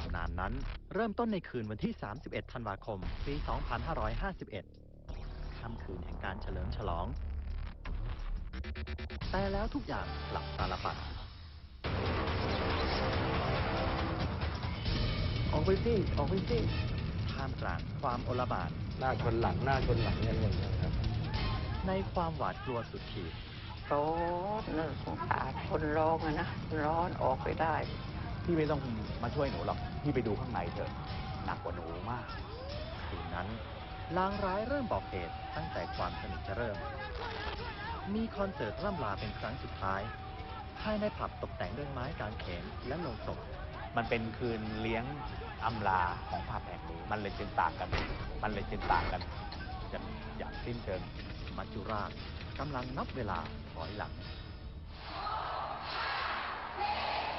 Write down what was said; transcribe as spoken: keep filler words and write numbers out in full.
ำนานนั้นเริ่มต้นในคืนวันที่ สามสิบเอ็ด ธันวาคม ปี สองพันห้าร้อยห้าสิบเอ็ด ค่ำคืนแห่งการเฉลิมฉลอง แต่แล้วทุกอย่างกลับตาลปัตรออกไปสิออกไปสิท่ามกลางความโอลหม่านหน้าชนหลังหน้าชนหลังอย่างนี้ครับในความหวาดกลัวสุดขีดร้อนน่าสงสารคนร้องอะนะร้อนออกไปได้พี่ไม่ต้องมาช่วยหนูหรอกพี่ไปดูข้างในเถอะหนักกว่าหนูมากคืนนั้นลางร้ายเริ่มบอกเหตุตั้งแต่ความสนุกจะเริ่ม มีคอนเสิร์ตร่ำลาเป็นครั้งสุดท้ายภายในผับตกแต่งด้วยไม้กางเขนและโลงศพมันเป็นคืนเลี้ยงอำลาของผับแห่งนี้มันเลยจึงต่างกันมันเลยจึงต่างกันอย่างอย่างสิ้นเชิงมัจจุราชกำลังนับเวลาถอยหลัง